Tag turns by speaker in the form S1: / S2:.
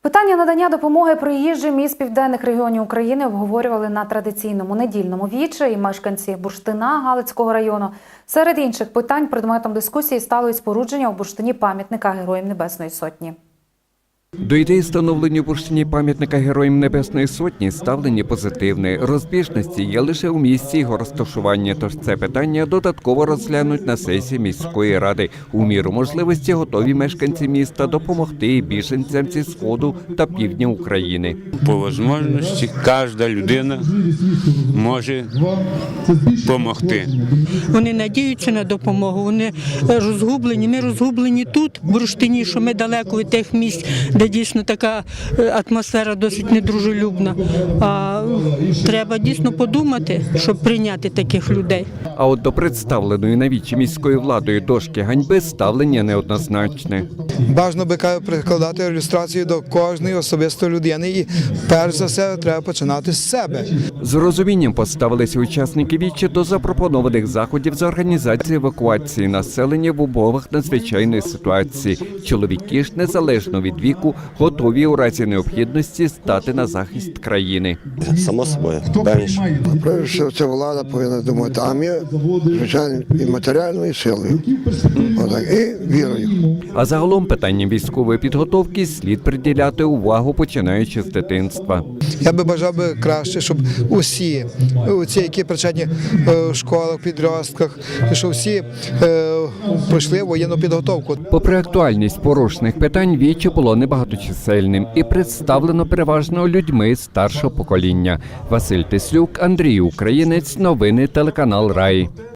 S1: Питання надання допомоги приїжджим із південних регіонів України обговорювали на традиційному недільному вічі і мешканці Бурштина Галицького району. Серед інших питань предметом дискусії стало і спорудження у Бурштині пам'ятника Героям Небесної Сотні.
S2: До ідеї встановлення у Бурштині пам'ятника Героям Небесної Сотні ставлення позитивне. Розбіжності є лише у місці його розташування, тож це питання додатково розглянуть на сесії міської ради. У міру можливості готові мешканці міста допомогти біженцям зі Сходу та Півдня України.
S3: По можливості кожна людина може допомогти. Вони
S4: надіються на допомогу, вони розгублені. Ми розгублені тут, в Бурштині, що ми далеко від тих місць, де дійсно така атмосфера досить недружелюбна. А треба дійсно подумати, щоб прийняти таких людей.
S2: А от до представленої на вічі міською владою дошки ганьби ставлення неоднозначне.
S5: Бажано би прикладати ілюстрацію до кожної особистої людини і перш за все треба починати з себе.
S2: З розумінням поставилися учасники вічі до запропонованих заходів з організації евакуації населення в умовах надзвичайної ситуації. Чоловіки ж, незалежно від віку, готові у разі необхідності стати на захист країни.
S6: Само собою, певніше.
S7: Перше, це влада повинна думати, а ми, звичайно, і матеріальною силою, і вірою.
S2: А загалом питанням військової підготовки слід приділяти увагу, починаючи з дитинства.
S5: Я би бажав би краще, щоб усі, які причетні в школах, підростках, щоб всі пройшли воєнну підготовку.
S2: Попри актуальність порушених питань, віче було небагаточисельним і представлено переважно людьми старшого покоління. Василь Тислюк, Андрій Українець, новини телеканал Рай.